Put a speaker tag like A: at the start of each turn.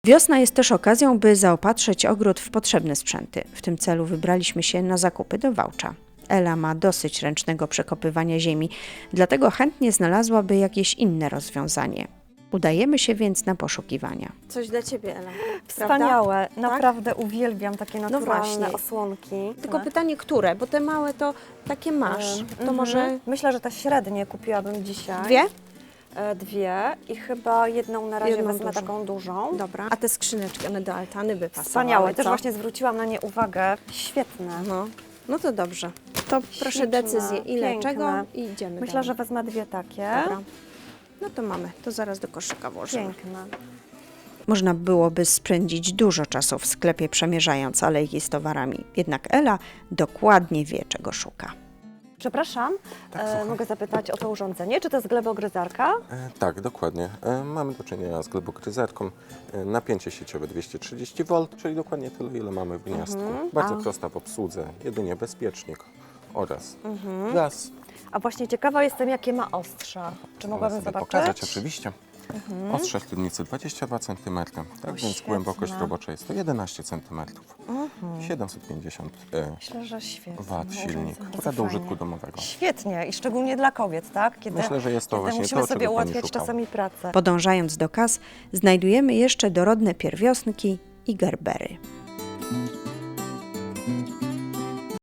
A: Wiosna jest też okazją, by zaopatrzyć ogród w potrzebne sprzęty. W tym celu wybraliśmy się na zakupy do Wałcza. Ela ma dosyć ręcznego przekopywania ziemi, dlatego chętnie znalazłaby jakieś inne rozwiązanie. Udajemy się więc na poszukiwania.
B: Coś dla Ciebie, Ela.
C: Wspaniałe, naprawdę uwielbiam takie naturalne
B: właśnie.
C: osłonki.
B: Tylko pytanie, które? Bo te małe to takie masz. To może
C: Myślę, że te średnie kupiłabym dzisiaj.
B: dwie?
C: Dwie i chyba jedną na razie
B: Jedną
C: wezmę
B: dużą.
C: taką dużą.
B: Dobra. A te skrzyneczki, one do altany by pasowały,
C: Wspaniałe, też
B: co?
C: właśnie zwróciłam na nie uwagę. Świetne.
B: No to dobrze. To proszę
C: Śliczne,
B: decyzję, ile
C: piękne.
B: czego i idziemy
C: Myślę,
B: dalej.
C: że wezmę dwie takie.
B: Dobra. No to mamy. To zaraz do koszyka włożymy.
C: Piękne.
A: Można byłoby spędzić dużo czasu w sklepie przemierzając alejki z towarami. Jednak Ela dokładnie wie, czego szuka.
C: Przepraszam,
D: słucham.
C: mogę zapytać o to urządzenie? Czy to jest glebogryzarka?
D: Tak, dokładnie. Mamy do czynienia z glebogryzarką. Napięcie sieciowe 230 V, czyli dokładnie tyle, ile mamy w gniazdku. Bardzo prosta w obsłudze, jedynie bezpiecznik oraz gaz.
C: A właśnie ciekawa jestem, jakie ma ostrza. Czy mogłabym
D: sobie
C: zobaczyć?
D: pokazać oczywiście. Ostrze średnicy 22 cm, tak więc
C: świetne.
D: głębokość robocza jest to 11 cm. 750
C: Myślę, że świetnie.
D: W silnik,
C: Bardzo
D: akurat do
C: fajnie.
D: użytku domowego.
C: Świetnie i szczególnie dla kobiet, tak? Kiedy,
D: Myślę, że jest to
C: kiedy
D: właśnie
C: musimy
D: to,
C: sobie
D: czego pani
C: ułatwiać
D: szukała.
C: czasami pracę.
A: Podążając do kas, znajdujemy jeszcze dorodne pierwiosnki i gerbery.